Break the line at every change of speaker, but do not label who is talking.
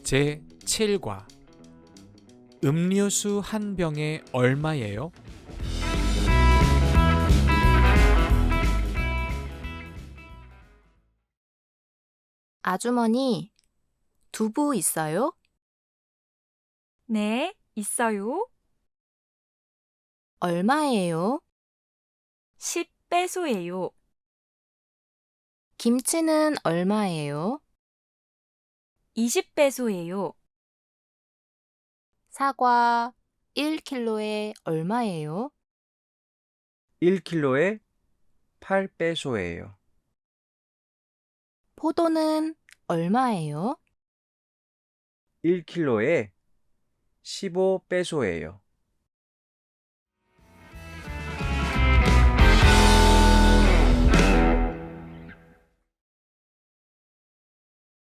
제7과 음료수 한 병에 얼마예요?
아주머니, 두부 있어요?
네, 있어요.
얼마예요?
10배소예요.
김치는 얼마예요?
20배소예요.
사과 1kg에 얼마예요?
1kg에 8배소예요.
포도는 얼마예요?
1kg에 15배소예요.